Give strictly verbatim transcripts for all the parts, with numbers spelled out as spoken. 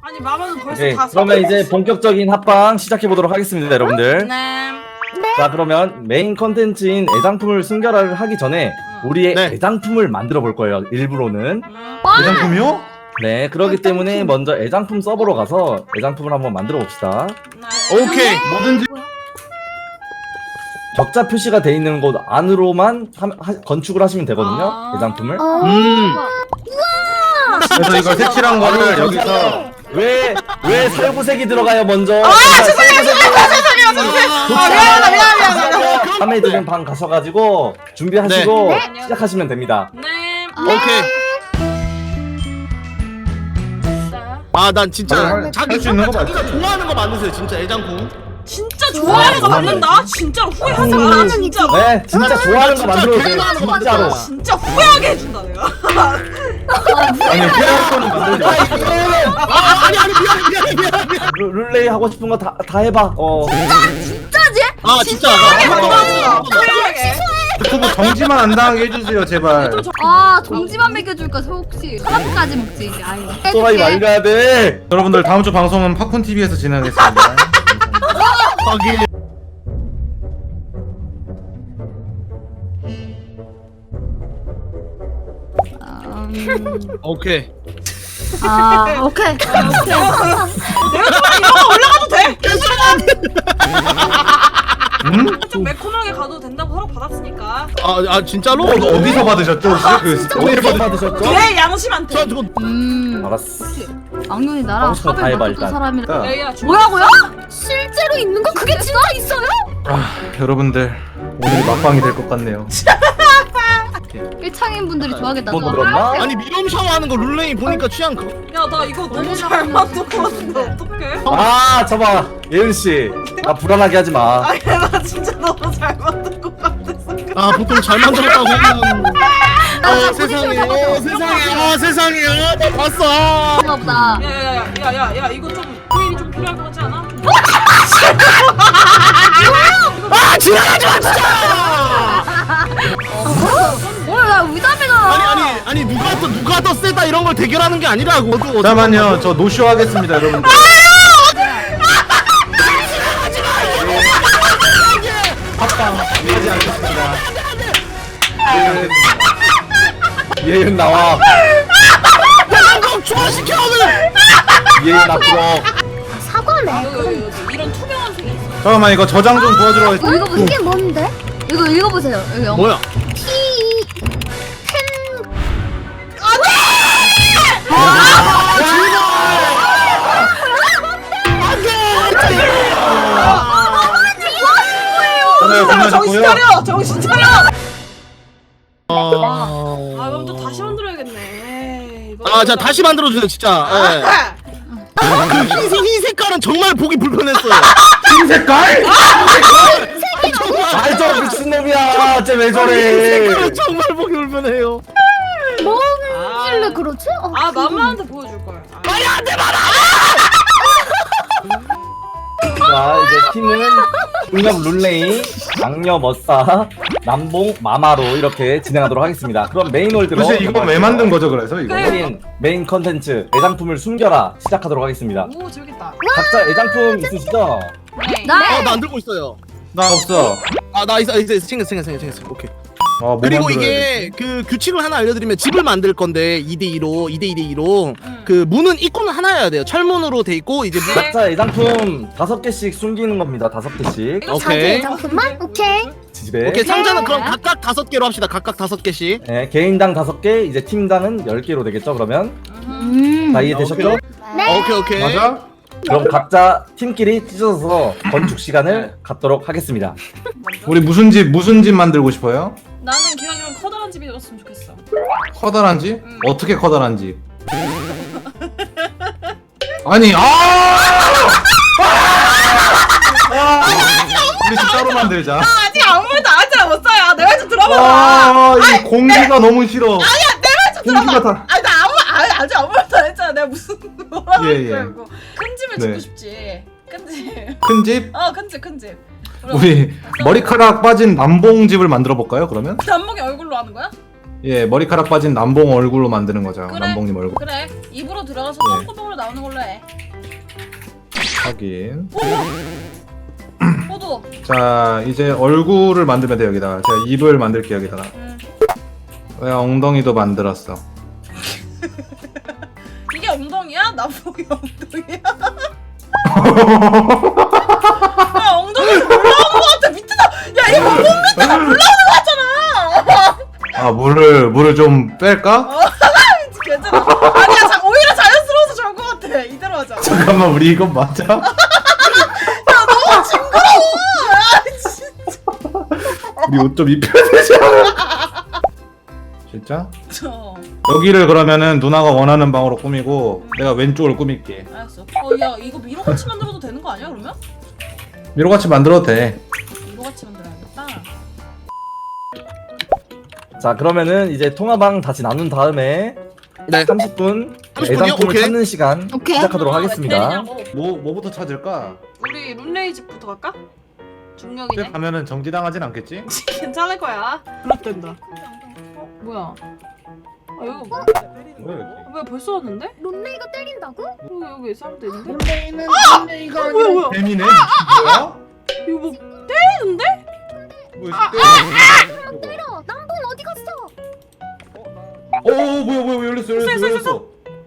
아니 마마는 벌써 네, 다 그러면 이제 본격적인 합방 시작해 보도록 하겠습니다, 여러분들. 네. 자, 그러면 메인 컨텐츠인 애장품을 순결화를 하기 전에 우리의 네. 애장품을 만들어 볼 거예요. 일부로는. 애장품이요? 네, 그렇기 때문에 먼저 애장품 서버로 가서 애장품을 한번 만들어 봅시다. 네. 오케이. 뭐든지. 적자 표시가 돼 있는 곳 안으로만 하, 하, 건축을 하시면 되거든요. 아. 애장품을. 음. 그래서 이걸 색칠한 거를 여기서 왜, 왜 살구색이 들어가요, 먼저? 아 죄송해요 죄송해요 죄송해요. 아 미안하다 미안하다 미안하다. 밤에 드는 방 가셔가지고 준비하시고 네. 시작하시면 됩니다. 네. 오케이. 자, 아, 난 진짜 할- 자기 할수 있는 거 자기가 맞지? 좋아하는 거 만드세요, 진짜 애장품. 진짜 좋아하는 거 만든다. 진짜로 후회하지 음. 마라. 진짜로. 네, 진짜 좋아하는 거 진짜 만들어도 돼요. 괜찮은 거 진짜로. 만들어. 진짜 후회하게 해준다 내가. 아니 피할 거는 만들지. 아, 아니 아니 미안해 미안해 미안해. 미안해. 룰- 룰레이 하고 싶은 거 다 다 해봐. 어. 아, 진짜. 후회하게 아, 만들어준다. 후회하게. 유튜브 정지만 안 당하게 해주세요 제발. 아 정지만 먹여줄까 혹시 사람까지 먹지 이제 아예 또라이 말려야 돼. 여러분들 다음 주 방송은 팝콘 티비에서 진행하겠습니다. 거기. 음, 오케이. 아 오케이 내가 좋아하는 이런 거 올라가도 돼. 괜찮아. 음? 좀 매콤하게 가도 된다고 허락 받았으니까. 아, 아 진짜로? 어, 어디서 받으셨죠 혹시? 그 어디서 받으셨죠? 내 양심한테. 저 저거 음 알았어. 악년이 나랑 하고 싶은 거 다 합을 해봐, 맞췄던 일단. 사람이라 레이야 주. 뭐라고요? 실제로 있는 거 그게 진짜 있어요? 아, 여러분들 오늘이 막방이 될 것 같네요. 일창인 분들이 좋아하겠다 뭐 들었나? 아니 미럼 샤워하는 거 룰레이 보니까 취향 그. 야 나 이거 너무 잘 만든 거 같은데 어떡해? 아, 저봐. 예은 씨. 나 불안하게 하지 마. 아니 나 진짜 너무 잘 만든 거 같아서. 아, 보통 잘 만들었다고 하면. 나 어, 포지션 세상에, 잡아서. 어, 세상에, 아, 세상에, 아, 나 봤어. 그런가 보다 야야야야야야 이거 좀 후일이 좀 필요할 것 같지 않아? 좀 아, 지나가지 마, 진짜. 뭐야 나 의담이잖아 아니, 아니, 아니, 누가 더, 누가 더 세다 이런 걸 대결하는 게 아니라고. 어디, 어디 잠깐만요, 저 노쇼 하겠습니다, 여러분들. 합방 하지 않겠습니다. 예은. 예은 나와. 대한민국 중화시켜 오늘. 예은 앞으로. 사과네 여기 여기 여기 이런 투명한 색이 있어. 잠깐만 이거 저장 좀 도와주러 가. 이거 읽어보세요 이게 뭔데? 이거 읽어보세요 여기 영어 뭐야? 오늘 정신 끝나셨고요. 차려 정신 차려. 아 아, 그럼 또 다시 만들어야겠네. 이거 아, 자 다시 만들어 주세요, 진짜. 예. 아, 그 흰색, 흰 색깔은 정말 보기 불편했어요. 흰 색깔? 아이, 저 미친놈이야. 쟤왜 흰 저래. 색깔은 정말 보기 불편해요. 뭔길래 그러지? 어, 아 맘마한테 보여줄 걸. 아, 자, 이제 팀은 중력 룰레이, 악녀 머싸, 남봉 마마로 이렇게 진행하도록 하겠습니다. 그럼 메인 홀드로 도대체 이거 왜 만든 거죠, 그래서 이거? 메인 메인 컨텐츠 애장품을 숨겨라 시작하도록 하겠습니다. 오 재밌겠다. 각자 애장품 있으시죠? 네. 나 어, 나 안 들고 있어요. 나 없어. 아, 나 있어, 있어, 있어. 챙겼어, 챙겼어, 챙겼어. 오케이. 아, 뭐 그리고 만들어야 이게 그 규칙을 하나 알려드리면 집을 만들 건데 이 대 이로 이 대 이 대 이로 음. 그 문은 입구는 하나여야 돼요. 철문으로 돼 있고 이제 문. 각자 애장품 다섯 개씩 숨기는 겁니다. 다섯 개씩 이거 오케이. 잠깐만 오케이 집에. 오케이, 상자는 그럼 각각 다섯 개로 합시다. 각각 다섯 개씩. 네, 개인당 다섯 개, 이제 팀당은 열 개로 되겠죠. 그러면 음 다 이해되셨죠? 네. 오케이, 오케이. 맞아? 그럼 각자 팀끼리 찢어서 건축 시간을 갖도록 하겠습니다. 우리 무슨 집 무슨 집 만들고 싶어요? 나는 기왕이면 커다란 집이 되었으면 좋겠어. 커다란 집? 음. 어떻게 커다란 집? 아니 아! 아! 우리 집 따로 만들자. 아직 아무 말도 아직 못 써요. 내 말 좀 들어봐. 아, 이 공기가 너무 싫어. 아니야 내 말 좀 공기가 들어봐. 다. 아니 나 아무 아, 아직 아무 말도 안 했잖아. 내가 무슨 뭐라고 예, 할 예. 거야 이거. 큰 집을 네. 짓고 싶지. 큰 집. 큰 집? 어 큰 집 큰 집. 우리 머리카락 빠진 남봉 집을 만들어 볼까요? 그러면? 남목이 얼굴로 하는 거야? 예, 머리카락 빠진 남봉 얼굴로 만드는 거죠. 그래. 남봉님 얼굴. 그래 입으로 들어가서 네. 똥구멍으로 나오는 걸로 해. 확인. 호두. 자, 이제 얼굴을 만들면 돼 여기다가. 제가 입을 만들게 여기다가. 응. 왜 엉덩이도 만들었어. 이게 엉덩이야? 나보기 엉덩이야? 야 엉덩이에서 올라오는 거 같아 밑에다. 야 이거 몸 밑에다 올라오는 거 같잖아. 아, 물을 물을 좀 뺄까? 괜찮아. 아니야 자, 오히려 자연스러워서 좋은 거 같아. 이대로 하자. 잠깐만, 우리 이건 맞아? 너무 징그러워. 야 진짜. 우리 옷 좀 입혀야 되지 않아? 진짜? 저. 여기를 그러면은 누나가 원하는 방으로 꾸미고 내가 왼쪽을 꾸밀게. 알았어. 어야 이거 미로 같이 만들어도 되는 거 아니야 그러면? 미로같이 만들어도 돼. 미로 같이 만들어야겠다. 자 그러면은 이제 통화방 다시 나눈 다음에 네. 삼십 분 삼십 분이요? 애상품을 오케이. 찾는 시간 오케이. 시작하도록 아, 하겠습니다. 때리냐고. 뭐 뭐부터 찾을까? 우리 룬레이 집부터 갈까? 그때 중력이네. 가면은 정지당하진 않겠지? 괜찮을 거야. 그렇단다. 어 뭐야? 아 여기 뭐, 왜? 왜 벌써 왔는데? 론레이가 때린다고? 여기 여기 사람도 있는데? 론레이는 론레이가 어, 뭐야 뭐야? 뱀이네. 뭐야? 이거 뭐 때리는데? 뭐 때려? 때려. 남봉 어디 갔어? 어, 뭐야 뭐야 뭐야, 열렸어 열렸어 있어, 열렸어.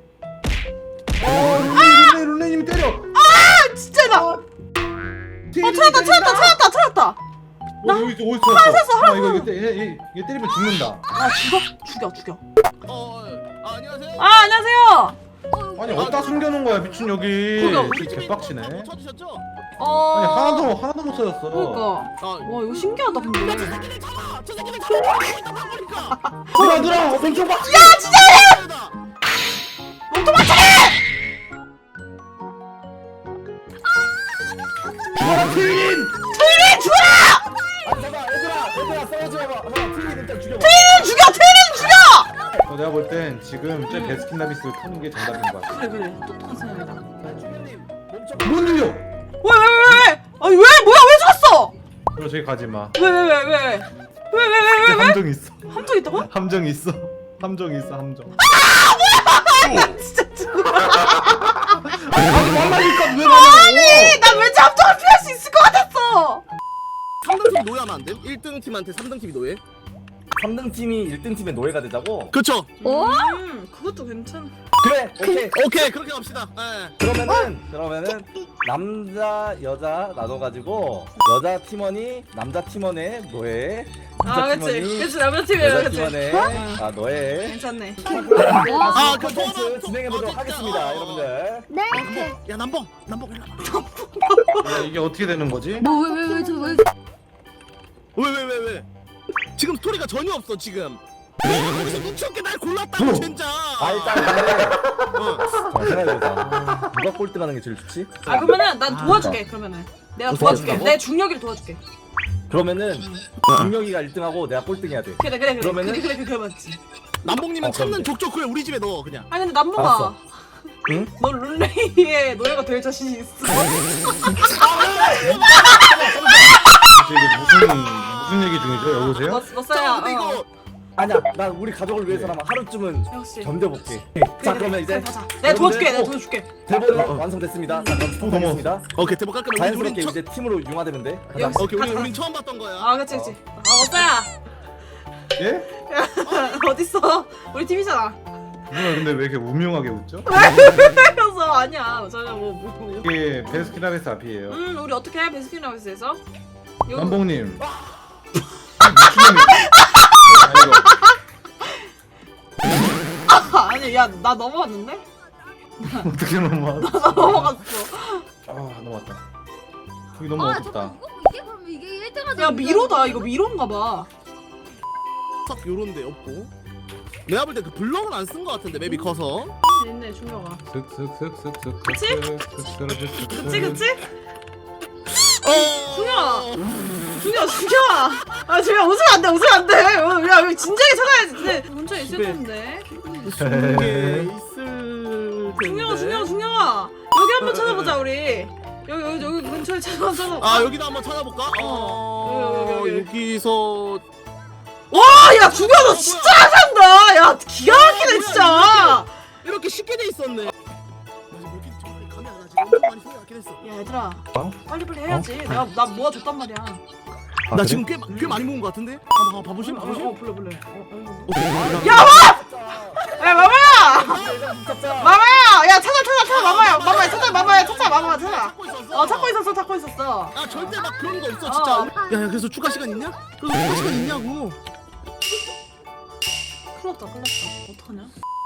어, 룰레이 룰레이 룰레이님이 때려. 아 진짜 나. 어 찾았다 찾았다 찾았다 찾았다. 나 여기 있어, 어디 찾았어? 하나 이거 이거 때- 얘, 얘, 얘 때리면 죽는다. 아 죽어? 죽여 죽여. 어, 어, 아, 안녕하세요. 아 안녕하세요. 아니 어디다 숨겨놓은 거야 미친 여기. 그거 우리 진짜 집에 개빡치네. 못 찾으셨죠? 어. 아니 하나도 하나도 못 찾았어. 그러니까. 아, 와 이거 신기하다 근데. 저 새끼들 잡아! 저 새끼들 잡아! 누나 누나 왼쪽 봐. 야, 진짜! 죽어라 트윈. 아니 잠깐 얘들아 얘들아 싸우지 마봐. 한번 트윈 일단 죽여봐. 죽여 트레인 죽여. 어, 내가 볼 땐 지금 저 베스킨라빈스를 푸는 게 정답인 것 같아. 그래 그래 똑똑한 사람이다. 중령님 멈춰. 못 눌려. 왜왜왜 왜? 아니 왜 뭐야 왜 죽었어? 그럼 저기 가지 마. 왜 왜 왜 왜 왜 왜 왜 왜 왜? 함정 있어. 함정 있다고? 함정 있어. 함정 있어 함정. 진짜 죽어. 아니 말라니까 왜 말라고? 나 왠지 함정을 피할 수 있을 것 같았어. 삼 등 팀이 노예하면 안 돼? 일 등 팀한테 삼 등 팀이 노예? 삼 등 팀이 일 등 팀의 노예가 되자고? 그쵸? 어? 음 그것도 괜찮. 그래 오케이. 오케이, 그렇게 갑시다. 예. 그러면은 그러면은 남자 여자 나눠가지고 여자 팀원이 남자 팀원의 노예, 아 남자 그치 팀원이 그치 남자 팀이야 여자 그치. 팀원의 아 노예. 괜찮네. 아, 그 콘텐츠 통화방 진행해 보도록 어, 하겠습니다, 어, 어. 여러분들. 네. 오케이. 야, 남봉! 남봉, 일로 와봐. 야, 이게 어떻게 되는 거지? 뭐 왜 왜 왜 저 왜? 왜, 왜, 왜, 왜? 지금 스토리가 전혀 없어, 지금. 내가 거기서 눈치 없게 날 골랐다고, 진짜. 아 일단 근데 자, 생각해보자. 누가 꼴등하는 게 제일 좋지? 아 그러면은 난 도와줄게 그러면은. 내가 어, 도와줄게. 도와준다고? 내 중력이를 도와줄게. 그러면은 중력이가 일 등하고 내가 꼴등해야 돼. 그래 그래 그래 그러면은? 그래 그래 그래 그래 맞지. 남봉님은 어, 그럼 찾는 돼. 족족 그래 우리 집에 넣어, 그냥. 아니 근데 남봉아. 알았어. 응? 너 룰레이의 노예가 될 자신이 있어? 도대체 이게 무슨 무슨 얘기 중이죠? 여보세요? 너, 너 싸야. 자, 근데 이거 아니야, 난 우리 가족을 위해서라면 하루쯤은 역시. 견뎌볼게. 그래, 자 그래, 그러면 이제 그래, 가자. 내가 도와줄게. 내가 여러분들, 도와줄게. 대본은 완성됐습니다. 자 그럼 부탁드리겠습니다. 오케이, 대박 깔끔해. 우리, 자연스럽게 우린 처... 이제 팀으로 융화되면 돼. 가자. 역시. 오케이, 우리, 가자. 우린 처음 봤던 거야. 아 그치 그치. 아 어싸야. 예? 어딨어? 우리 팀이잖아. 누나 근데 왜 이렇게 우명하게 웃죠? 그래서 아니야. 전혀 뭐 뭐. 이게 베스킨라빈스 앞이에요. 음 우리 어떻게 해 베스킨라빈스에서? 여기- 남봉님. 미친놈이. 아, 아니 야 나 넘어갔는데? 어떻게 넘어왔어? 나 넘어갔어. 아 넘어왔다. 여기 너무 아 어둡다. 잠깐 이거 이게 그럼 이게 일 등 하자. 야 미로다. 이거 미로인가 봐. 딱 요런 데 없고. 내가 볼 때 그 블럭은 안 쓴 거 같은데, 맵이 커서. 있네 중요가. 슥슥슥슥슥. 그치? 그치 그치? 어. 중요아. 중요아 중요아. 아 중요아 웃으면 안 돼. 웃으면 안 돼. 어, 야 여기 진작에 찾아야지. 근데 문자 있을 집에- 텐데. 이게 있을 텐데. 중요아 중요아 중요아. 여기 한번 찾아보자 우리. 여기 여기 여기 근처에 찾아봐 찾아봐. 아, 여기도 한번 찾아볼까? 어. 여기, 여기, 여기. 여기서 와야 죽여 너 진짜 잘한다. 야 기가 막히네 진짜. 이렇게 쉽게 돼 있었네. 나 지금 이렇게 정말 감이 안 와. 지금 많이 소리 났긴 했어. 야 얘들아 어? 빨리빨리 해야지. 내가 나 모아줬단 말이야. 아, 나 그래? 지금 꽤, 꽤 많이 모은 것 같은데? 봐봐, 봐보실? 어, 봐보실? 어 불러 불러. 어, 어, 어, 야 마! 야 마마야! 마마야! 야 찾아 찾아 찾아 마마야 마마야 찾아 마마야 찾아 마마야 찾아. 찾고 있었어. 어 찾고 있었어 찾고 있었어. 아 절대 막 그런 거 없어 진짜. 어. 야야 그래서 추가 시간 있냐? 그래서 추가 시간 있냐고. 큰일 났다 큰일 났다. 어떡하냐?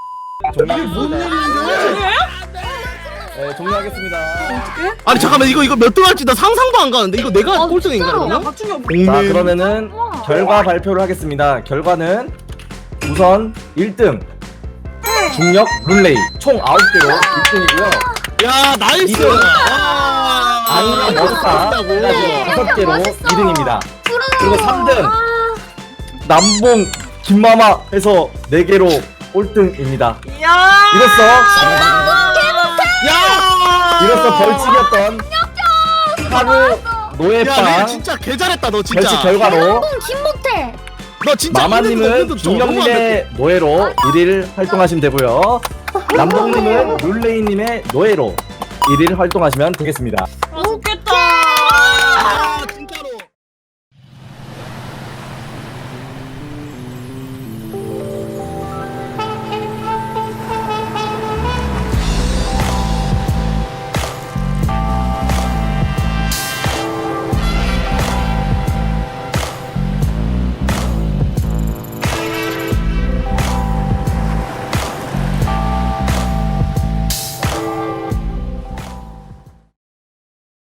종료하겠습니다. 네, 종료하겠습니다. 어떡해? 아니 잠깐만 이거 이거 몇 등 할지 나 상상도 안 가는데 이거 내가 어, 꼴등인가 진짜로? 야 그러면? 박준이 형 자, 그러면은 우와. 결과 발표를 하겠습니다. 결과는 우선 일 등 중력 룰레이 총 아홉 개로 일 등이고요. 야 나이스. 이 등. 아, 악녀 머싸 끝났다고. 다섯 개로 멋있어. 이 등입니다. 부러워. 그리고 삼 등. 아, 남봉 김마마 해서 네 개로 꼴등입니다. 야 이로써 야. 이로써 벌칙이었던 하루 야 내가 노예빵 진짜 개 잘했다 너 진짜. 벌칙 결과로 뽕 김못해. 너 진짜 마마님은 중령님의 노예로 일 일 활동하시면 되고요. 남봉님은 룰레이님의 노예로 일 일 활동하시면 되겠습니다. 아, 줄게.